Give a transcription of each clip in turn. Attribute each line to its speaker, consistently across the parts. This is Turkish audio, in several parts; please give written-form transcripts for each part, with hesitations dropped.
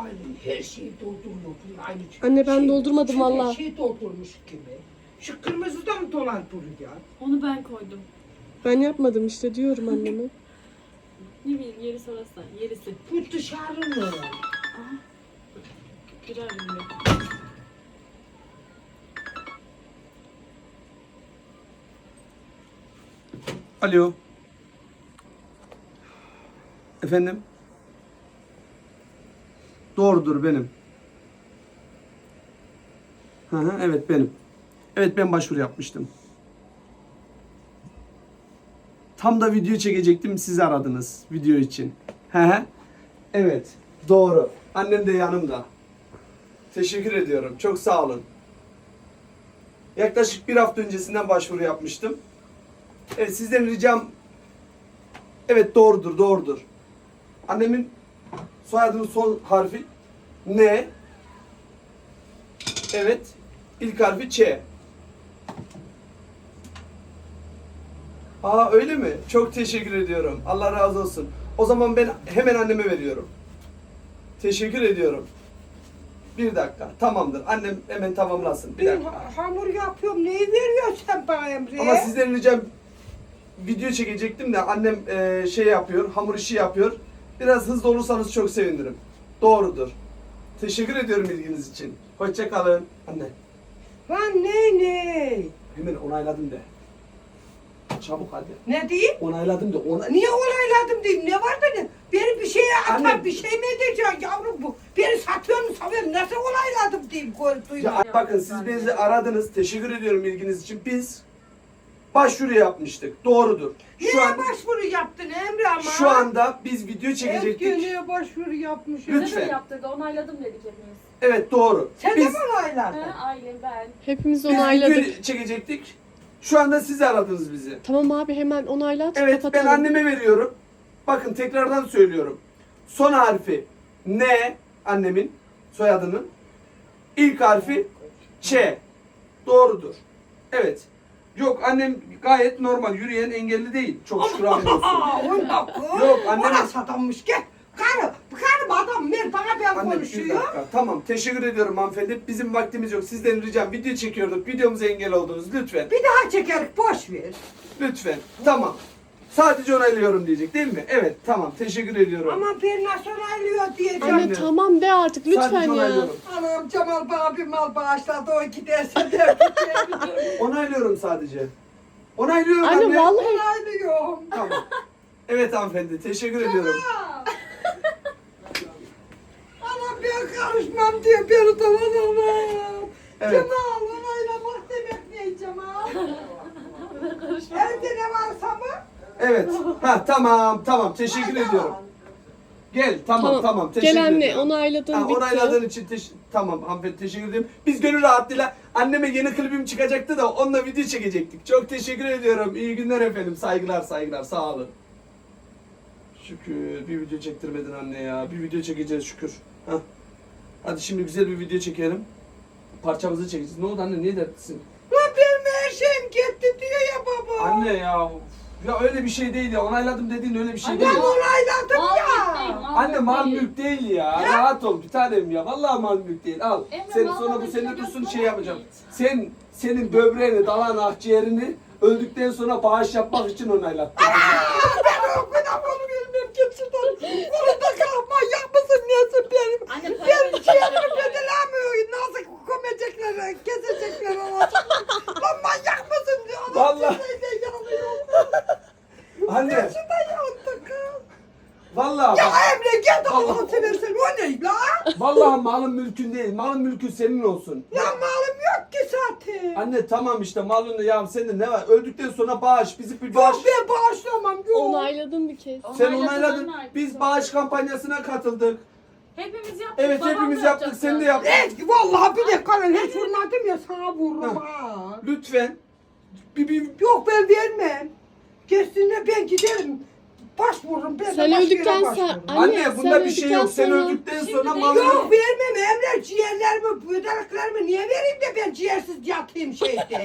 Speaker 1: aynı her şeyi doldurmuyor. Aynı
Speaker 2: Anne ben doldurmadım
Speaker 1: Her
Speaker 2: valla.
Speaker 1: şeyi doldurmuş gibi. Şu kırmızı da mı dolan ya?
Speaker 3: Onu ben koydum.
Speaker 2: Ben yapmadım işte diyorum anneme.
Speaker 3: Ne bileyim yeri sorarsan. Yerisi.
Speaker 1: Bu dışarı mı?
Speaker 3: Girer mi?
Speaker 4: Alo. Efendim? Doğrudur benim. Hı hı, evet benim. Evet ben başvuru yapmıştım. Tam da video çekecektim, sizi aradınız video için. Hı hı. Evet, doğru. Annem de yanımda. Teşekkür ediyorum. Çok sağ olun. Yaklaşık bir hafta öncesinden başvuru yapmıştım. Evet, sizden ricam... Evet, doğrudur, doğrudur. Annemin soyadının son harfi N. Evet, ilk harfi Ç. Aa, öyle mi? Çok teşekkür ediyorum. Allah razı olsun. O zaman ben hemen anneme veriyorum. Teşekkür ediyorum. Bir dakika. Tamamdır. Annem hemen tamamlasın. Bir
Speaker 1: Ben
Speaker 4: dakika.
Speaker 1: hamur yapıyorum. Neyi veriyorsun sen bana Emre?
Speaker 4: Ama sizden ricam video çekecektim de annem şey yapıyor, hamur işi yapıyor. Biraz hızlı olursanız çok sevinirim. Doğrudur. Teşekkür ediyorum ilginiz için. Hoşça kalın. Anne,
Speaker 1: Lan ne?
Speaker 4: hemen onayladım de. Çabuk hadi.
Speaker 1: Ne diyeyim?
Speaker 4: Onayladım de.
Speaker 1: Niye onayladım diyeyim? Ne var benim? Beni bir şeye atar,
Speaker 4: Anne.
Speaker 1: bir şey mi edeceksin yavrum bu? Beni satıyor mu savuyor? Nasıl onayladım diyeyim?
Speaker 4: Ya bakın siz bizi aradınız. Teşekkür ediyorum ilginiz için. Biz başvuru yapmıştık. Doğrudur.
Speaker 1: Neye başvuru yaptın Emre ama?
Speaker 4: Şu anda biz video çekecektik.
Speaker 1: Neye başvuru yapmışsın?
Speaker 4: Lütfen.
Speaker 3: Bize de yaptırdı. Onayladım dedik hepimiz.
Speaker 4: Evet doğru.
Speaker 1: Sen de
Speaker 4: Biz
Speaker 1: mi onayladın?
Speaker 3: He, aile ben.
Speaker 2: Hepimiz
Speaker 4: video
Speaker 2: onayladık.
Speaker 4: çekecektik. Şu anda siz aradınız bizi.
Speaker 2: Tamam abi hemen onaylat.
Speaker 4: Evet ben
Speaker 2: kapatalım.
Speaker 4: anneme veriyorum. Bakın tekrardan söylüyorum. Son harfi N, annemin soyadının. İlk harfi Ç. Doğrudur. Evet. Yok annem gayet normal yürüyen, engelli değil. Çok şükür hamdolsun.
Speaker 1: Onda
Speaker 4: Yok, annem-
Speaker 1: Orası adammış gel. Karım adam ver bana ben
Speaker 4: Anne bir
Speaker 1: konuşuyor.
Speaker 4: dakika. Tamam teşekkür ediyorum hanımefendi. Bizim vaktimiz yok. Sizden ricam video çekiyorduk. Videomuza engel oldunuz. Lütfen.
Speaker 1: Bir daha çekerik boş ver.
Speaker 4: Lütfen. Tamam. Sadece onaylıyorum diyecek değil mi? Evet tamam teşekkür ediyorum.
Speaker 1: Ama bir nasıl onaylıyor diyeceğim.
Speaker 2: Anne tamam de artık lütfen
Speaker 4: Sadece
Speaker 2: ya.
Speaker 4: onaylıyorum.
Speaker 1: Anam Cemal bana bir mal bağışladı o giderse de
Speaker 4: Onaylıyorum sadece. Onaylıyorum
Speaker 2: Anne
Speaker 4: anne.
Speaker 2: vallahi
Speaker 1: onaylıyorum.
Speaker 4: Tamam. Evet hanımefendi teşekkür ediyorum.
Speaker 1: Anam ben karışmam diye beni dolanamam.
Speaker 4: Evet.
Speaker 1: Cemal onaylamak demek ne Cemal? Evde ne varsa mı?
Speaker 4: Evet. Ha tamam teşekkür ediyorum. Gel tamam teşekkür
Speaker 2: Gel anne
Speaker 4: ediyorum.
Speaker 2: onayladın
Speaker 4: Ha,
Speaker 2: bitti.
Speaker 4: onayladığın için tamam hanımefendi teşekkür ederim. Biz gönül rahatlığıyla anneme yeni klibim çıkacaktı da onunla video çekecektik. Çok teşekkür ediyorum. İyi günler efendim. Saygılar sağ olun. Şükür bir video çektirmedin anne ya. Bir video çekeceğiz şükür. Hah. Hadi şimdi güzel bir video çekelim. Parçamızı çekeceğiz. Ne oldu anne niye dertlisin?
Speaker 1: Lan benim her şeyim gitti diyor ya baba.
Speaker 4: Anne ya. Ya öyle bir şey değil ya. Onayladım dediğin öyle bir şey
Speaker 3: Anne,
Speaker 4: değil.
Speaker 1: Ben onayladım
Speaker 3: Mal
Speaker 1: ya.
Speaker 3: değil, mal
Speaker 4: Anne mal
Speaker 3: değil.
Speaker 4: mülk değil ya. Rahat ol bir tanem ya. Vallahi mal mülk değil. Al.
Speaker 3: Emre,
Speaker 4: Sen
Speaker 3: mal
Speaker 4: sonra bu
Speaker 3: mülk
Speaker 4: senin
Speaker 3: yok,
Speaker 4: dursun
Speaker 3: yok,
Speaker 4: şey
Speaker 3: yok.
Speaker 4: yapacağım. Senin böbreğini, dalağını, akciğerini öldükten sonra bağış yapmak için onaylattım.
Speaker 1: Ben o kadar onu bilmem git şuradan. Orada kalma yapmasın nesin benim.
Speaker 3: Anne para
Speaker 1: Benim
Speaker 3: verecek.
Speaker 1: ciğerimi bedelemiyor. Nasıl gömecekler, kesecekler olacak. Lan manyak mısın diyor.
Speaker 4: Vallahi.
Speaker 1: Şeyde yanıyor.
Speaker 4: Anne.
Speaker 1: Şurada yandı kız.
Speaker 4: Vallahi
Speaker 1: Ya
Speaker 4: bak.
Speaker 1: Emre gel de
Speaker 4: Allah.
Speaker 1: Allah'ını seversen o ne la?
Speaker 4: Vallahi malın mülkün değil. Malın mülkün senin olsun.
Speaker 1: Ya malım yok ki zaten.
Speaker 4: Anne tamam işte malın ya sende ne var? Öldükten sonra bağış. Bizi bir bağış.
Speaker 1: Yok ben bağışlamam yok.
Speaker 2: onayladın bir kez.
Speaker 4: Sen
Speaker 3: Onayladın,
Speaker 4: onayladın.
Speaker 3: onayladın.
Speaker 4: Biz bağış kampanyasına katıldık.
Speaker 3: Hepimiz yaptık.
Speaker 4: Evet
Speaker 3: babam
Speaker 4: hepimiz
Speaker 3: da
Speaker 4: yaptık.
Speaker 3: yapacaktı.
Speaker 4: Sen de yaptın.
Speaker 1: Vallahi bir dakika lan hiç vurmadım ya sana vururum ha.
Speaker 4: Lütfen. Bir
Speaker 1: Yok ben vermem. Kesinlikle ben giderim. Başvururum. Ben de
Speaker 2: Sen
Speaker 1: başka
Speaker 2: öldükten
Speaker 1: yere
Speaker 2: sonra
Speaker 1: başvururum.
Speaker 4: Anne bunda bir şey yok. Sen
Speaker 2: sonra-
Speaker 4: öldükten
Speaker 3: Şimdi
Speaker 4: sonra
Speaker 3: de
Speaker 4: malın...
Speaker 1: Yok vermem Emre ciğerlerimi, bödeklerimi niye vereyim de ben ciğersiz yatayım şeyde.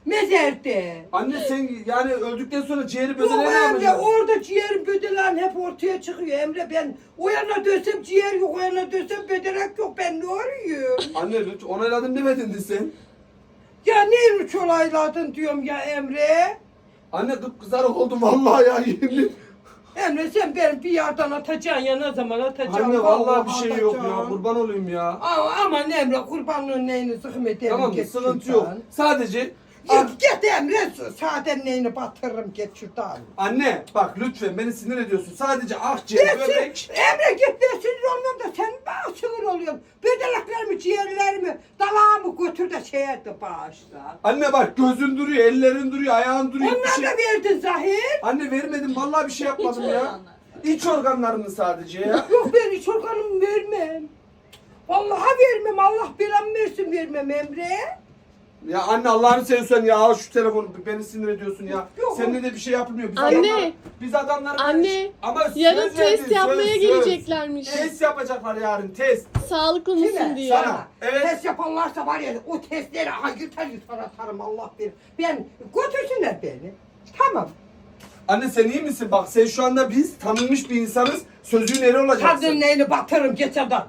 Speaker 1: Mezerde.
Speaker 4: Anne sen yani öldükten sonra ciğeri
Speaker 1: Yok
Speaker 4: bödele ne
Speaker 1: Emre
Speaker 4: yapacaksın?
Speaker 1: orada ciğerin bödelen hep ortaya çıkıyor Emre. Ben o yana dönsem ciğer yok, o yana dönsem bödelek yok. Ben ne arıyorum?
Speaker 4: Anne lütfen onayladım demedin sen.
Speaker 1: Ya ne üç olayladın diyorum ya Emre.
Speaker 4: Anne kıpkızarık oldum vallahi ya yemin.
Speaker 1: Emre sen beni bir yerden atacaksın ya ne zaman atacaksın?
Speaker 4: Anne vallahi bir şey yok ya
Speaker 1: atacaksın.
Speaker 4: kurban olayım ya.
Speaker 1: Aman Emre kurbanlığın neyini sıkma edelim.
Speaker 4: Tamam
Speaker 1: git
Speaker 4: sıkıntı
Speaker 1: şuradan.
Speaker 4: yok. Sadece
Speaker 1: Git Emre zaten neyini batırırım git şuradan.
Speaker 4: anne bak lütfen beni sinir ediyorsun. Sadece akciğer, böbrek.
Speaker 1: Emre git ben sinir olmuyorum da sen bana sinir oluyorsun. Bödeleklerimi, ciğerlerimi, dalağımı götür de şeye de bağışla.
Speaker 4: Anne bak gözün duruyor, ellerin duruyor, ayağın duruyor.
Speaker 1: Onlar
Speaker 4: Bir
Speaker 1: da verdin Zahir.
Speaker 4: Anne vermedim vallahi bir şey yapmadım
Speaker 3: Hiç
Speaker 4: ya.
Speaker 3: olanlar.
Speaker 4: İç organlarını sadece ya.
Speaker 1: Yok ben hiç organımı vermem. Vallahi vermem. Allah belamı versin vermem Emre.
Speaker 4: Ya anne Allah'ını seversen ya al şu telefonu beni sinir ediyorsun ya.
Speaker 1: Yok.
Speaker 4: Seninle de bir şey yapılmıyor. Biz
Speaker 2: Anne.
Speaker 4: adamlar, biz adamlar
Speaker 2: Anne,
Speaker 4: ama söz
Speaker 2: yarın
Speaker 4: verdin,
Speaker 2: test
Speaker 4: söz,
Speaker 2: yapmaya
Speaker 4: söz.
Speaker 2: geleceklermiş.
Speaker 4: Test yapacaklar yarın test.
Speaker 2: Sağlıklı mısın
Speaker 1: Kime?
Speaker 2: diye.
Speaker 4: Sana. Evet.
Speaker 1: Test yaparlarsa var ya o testleri yırtar atarım Allah bilir. Ben götürsünler beni. Tamam.
Speaker 4: Anne sen iyi misin? Bak sen şu anda biz tanınmış bir insanız. Sözün eri olacaksın.
Speaker 1: Kadın neyini batırırım geçerden.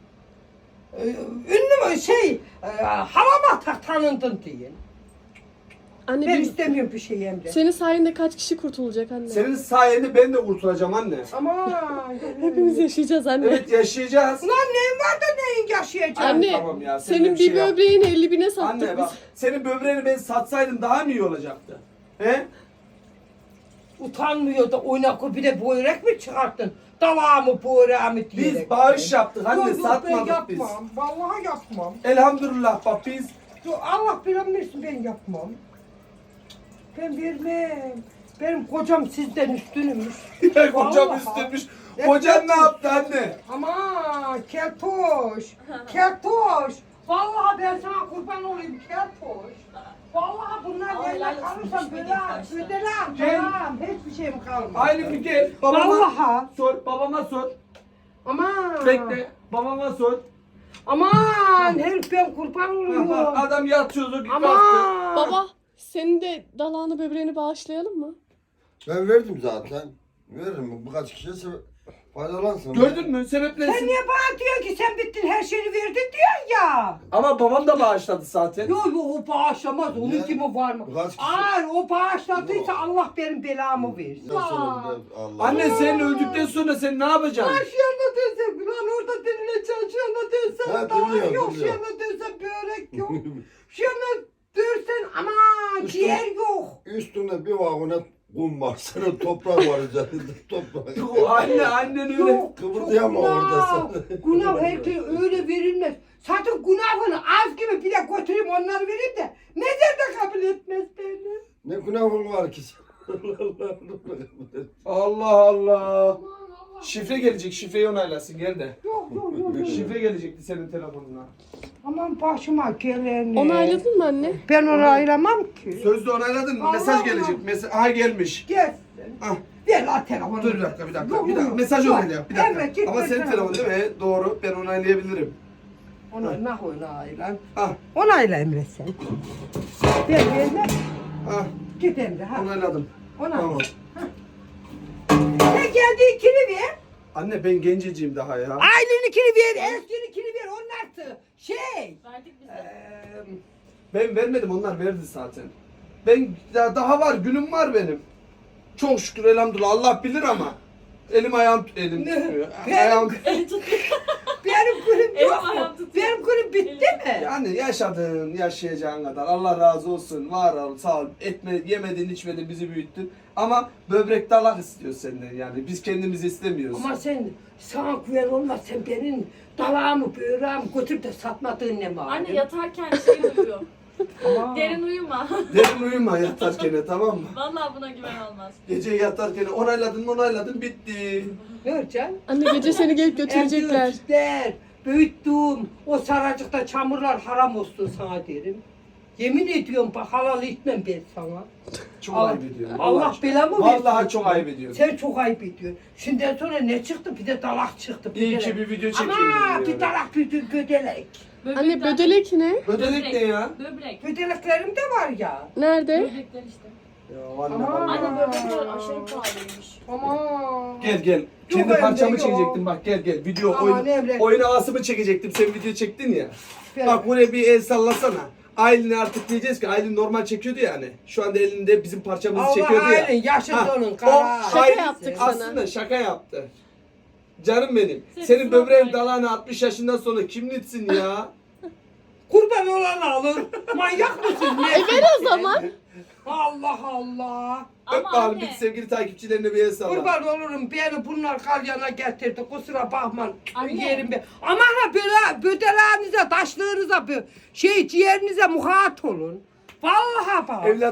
Speaker 1: Ünlü mü halama tanındın diye.
Speaker 2: Anne
Speaker 1: Ben
Speaker 2: bir,
Speaker 1: istemiyorum bir şey Emre.
Speaker 2: senin sayende kaç kişi kurtulacak anne?
Speaker 4: Senin sayende ben de kurtulacağım anne.
Speaker 1: Aman.
Speaker 2: Hepimiz yaşayacağız anne.
Speaker 4: Evet yaşayacağız.
Speaker 1: Ulan neyin var da neyin yaşayacaksın?
Speaker 2: Anne,
Speaker 4: Tamam ya, sen de
Speaker 2: senin
Speaker 4: bir şey
Speaker 2: bir
Speaker 4: yap.
Speaker 2: böbreğini 50 bine sattık
Speaker 4: Anne
Speaker 2: biz.
Speaker 4: bak senin böbreğini ben satsaydım daha mı iyi olacaktı? He?
Speaker 1: Utanmıyor da oynak bir de börek mi çıkarttın? Dalağımı böreğimi diyerek.
Speaker 4: Biz bağış yaptık anne
Speaker 1: Yok, yok, ben
Speaker 4: satmadık biz.
Speaker 1: yapmam. Vallahi yapmam.
Speaker 4: Elhamdülillah bak biz
Speaker 1: Yok, Allah bilen bilsin ben yapmam. Ben vermem. Benim kocam sizden üstünmüş.
Speaker 4: kocam
Speaker 1: Vallahi.
Speaker 4: üstünmüş.
Speaker 1: Evet,
Speaker 4: Kocan ne
Speaker 1: evet.
Speaker 4: yaptı anne?
Speaker 1: Aman keltoş. Keltoş. Vallahi ben sana kurban olayım keltoş. Vallahi bunlar
Speaker 3: Ay,
Speaker 1: yerine
Speaker 3: helal olsun,
Speaker 1: kalırsam
Speaker 3: düşmedik
Speaker 1: böyle
Speaker 3: başta.
Speaker 1: ödenem.
Speaker 4: Gel.
Speaker 1: Tamam. Hiçbir şeyim kalmaz.
Speaker 4: Aynı bir gel. Babama
Speaker 1: Vallahi.
Speaker 4: sor. Babama sor.
Speaker 1: Aman.
Speaker 4: Bekle. Babama sor.
Speaker 1: Aman herif ben kurban
Speaker 4: Bak,
Speaker 1: oluyorum.
Speaker 4: adam yatıyordu git baktı.
Speaker 1: Aman.
Speaker 2: Baba, senin de dalağını böbreğini bağışlayalım mı?
Speaker 5: Ben verdim zaten. Veririm. Birkaç kişiye faydalansın.
Speaker 4: Gördün mü? Sebep
Speaker 1: Sen
Speaker 4: nesin?
Speaker 1: niye bana diyorsun ki sen bittin her şeyi verdin diyorsun ya.
Speaker 4: Ama babam da bağışladı zaten.
Speaker 1: Yok yok o bağışlamaz. Onun
Speaker 5: Ne?
Speaker 1: kimi var mı?
Speaker 5: Birkaç kişi-
Speaker 1: Hayır o bağışladıysa
Speaker 5: Yok.
Speaker 1: Allah benim belamı versin.
Speaker 5: Allah.
Speaker 4: Anne sen öldükten sonra sen ne yapacaksın?
Speaker 1: Lan şu yana dönsem lan orada dinleyeceksin şu yana dönsen
Speaker 5: Ha,
Speaker 1: daha
Speaker 5: dinliyorum,
Speaker 1: yok şu
Speaker 5: dinliyorum.
Speaker 1: yana dönsen börek yok. Şu yana dönsen aman ciğer yok.
Speaker 5: Üstünde bir vagonet kum var. Senin toprak var üzerinde. Toprak.
Speaker 4: Anne annen öyle.
Speaker 1: Yok,
Speaker 5: Kıpırdayama
Speaker 1: çok
Speaker 5: orada
Speaker 1: günah.
Speaker 5: sen.
Speaker 1: Günah herkese öyle verilmez. Zaten günahını az gibi bir de götüreyim onları vereyim de mezarda kabul etmez beni.
Speaker 5: Ne günahın var ki?
Speaker 4: Allah Allah. Şifre gelecek. Şifreyi onaylasın. Gel de.
Speaker 1: Yok yok yok. yok.
Speaker 4: Şifre gelecekti senin telefonuna.
Speaker 1: Aman başıma geleni.
Speaker 2: Onayladın mı anne?
Speaker 1: Ben onaylamam ki.
Speaker 4: Sözde onayladın mı?
Speaker 1: Allah
Speaker 4: Mesaj
Speaker 1: Allah.
Speaker 4: gelecek. Aha gelmiş.
Speaker 1: Gelsin.
Speaker 4: Ah.
Speaker 1: Ver lan telefonu.
Speaker 4: Dur bir dakika bir dakika.
Speaker 1: Yok,
Speaker 4: Bir dakika.
Speaker 1: yok,
Speaker 4: Mesaj
Speaker 1: yok.
Speaker 4: onayla yap. Bir dakika.
Speaker 1: Evet, git
Speaker 4: Ama
Speaker 1: ver
Speaker 4: senin
Speaker 1: telefonu.
Speaker 4: telefonun değil mi? Doğru. Ben onaylayabilirim.
Speaker 1: Onayla onayla.
Speaker 4: Ah.
Speaker 1: Onayla Emre sen. Ver ver.
Speaker 4: Ah.
Speaker 1: Git Emre ha.
Speaker 4: Onayladım.
Speaker 1: Onayla.
Speaker 4: Tamam.
Speaker 1: Sen kendi ikini ver.
Speaker 4: Anne ben genceciyim daha ya.
Speaker 1: Ailenikini ver. Eskininkini ver. Onlar şey.
Speaker 3: Verdik biz de.
Speaker 4: Ben vermedim onlar verdi zaten. Ben daha var günüm var benim. Çok şükür elhamdülillah Allah bilir ama. Elim
Speaker 1: Ne?
Speaker 4: tutmuyor.
Speaker 1: Ben-
Speaker 4: Ayağım
Speaker 1: Benim kulüp
Speaker 3: Elim
Speaker 1: yok mu?
Speaker 3: ayağım tutuyor.
Speaker 1: Benim kulüp bitti mi?
Speaker 4: yani yaşadın yaşayacağın kadar Allah razı olsun var ol sağ ol yemedin içmedin bizi büyüttün ama böbrek dalak istiyor senden yani biz kendimizi istemiyoruz.
Speaker 1: Ama sen sana güven olmaz. Sen benim dalağımı böğrağımı götürüp de satmadığın ne var?
Speaker 3: Anne yatarken şey uyuyor.
Speaker 1: Aman.
Speaker 3: Derin uyuma.
Speaker 4: Derin uyuma yatarken tamam mı?
Speaker 3: Vallahi buna güven olmaz.
Speaker 4: Gece yatarken onayladın bitti.
Speaker 1: Ne yapacaksın?
Speaker 2: Anne gece seni gelip götürecekler.
Speaker 1: Emcikler, büyüttüm. O saracıkta çamurlar haram olsun sana derim. Yemin ediyorum bak halal etmem ben sana.
Speaker 4: Çok
Speaker 1: Allah-
Speaker 4: ayıp ediyorum.
Speaker 1: Allah belamı versin.
Speaker 4: Vallahi çok ayıp ediyorum.
Speaker 1: Sen çok ayıp ediyorsun. Şimdiden sonra ne çıktı? Bir de dalak çıktı.
Speaker 4: İyi ki
Speaker 1: de-
Speaker 4: bir video çekeyim
Speaker 1: Ama
Speaker 4: dedim
Speaker 1: bir
Speaker 4: yani.
Speaker 1: dalak bir de gödelek.
Speaker 2: Anne bödelek ne?
Speaker 4: Ödenek ne ya?
Speaker 3: Böbrek.
Speaker 1: Ödeleklerim de var ya.
Speaker 2: Nerede?
Speaker 3: Böbrekler işte.
Speaker 4: Ya anne
Speaker 1: Aman.
Speaker 4: vallahi.
Speaker 3: Anne böbrekler aşırı pahalıymış.
Speaker 1: Aman.
Speaker 4: Gel. Kendi
Speaker 1: Yok,
Speaker 4: parçamı
Speaker 1: evde yok.
Speaker 4: çekecektim bak gel. Video
Speaker 1: Aman Emre.
Speaker 4: oyun havasımı çekecektim. Sen video çektin ya.
Speaker 1: Ver.
Speaker 4: Bak buraya bir el sallasana. Aylin'i artık diyeceğiz ki Aylin normal çekiyordu yani. Şu anda elinde bizim parçamızı
Speaker 1: Allah
Speaker 4: çekiyordu ya.
Speaker 1: Aylin yaşın
Speaker 4: Ha,
Speaker 1: donun
Speaker 4: o
Speaker 1: kara.
Speaker 2: Şaka
Speaker 4: Aylin
Speaker 2: yaptık sana.
Speaker 4: aslında şaka yaptı. Canım benim.
Speaker 3: Sen
Speaker 4: Senin
Speaker 3: sınav
Speaker 4: böbreğin
Speaker 3: Aylin.
Speaker 4: dalağını 60 yaşından sonra kim nitsin ya?
Speaker 1: Kurban olan alır. Manyak mısın? Ne?
Speaker 2: Ver o zaman.
Speaker 1: Allah Allah.
Speaker 4: Öp
Speaker 3: Ama
Speaker 4: bakalım
Speaker 3: anne.
Speaker 4: bir sevgili takipçilerine bir el salla.
Speaker 1: Kurban olurum beni bunlar kalyana getirdi. Kusura bakma.
Speaker 3: Anne.
Speaker 1: Yerim be. Ama ha böyle bödeleğinize, taşlığınıza, ciğerinize muhat olun. Vallahi bak.
Speaker 4: Evlat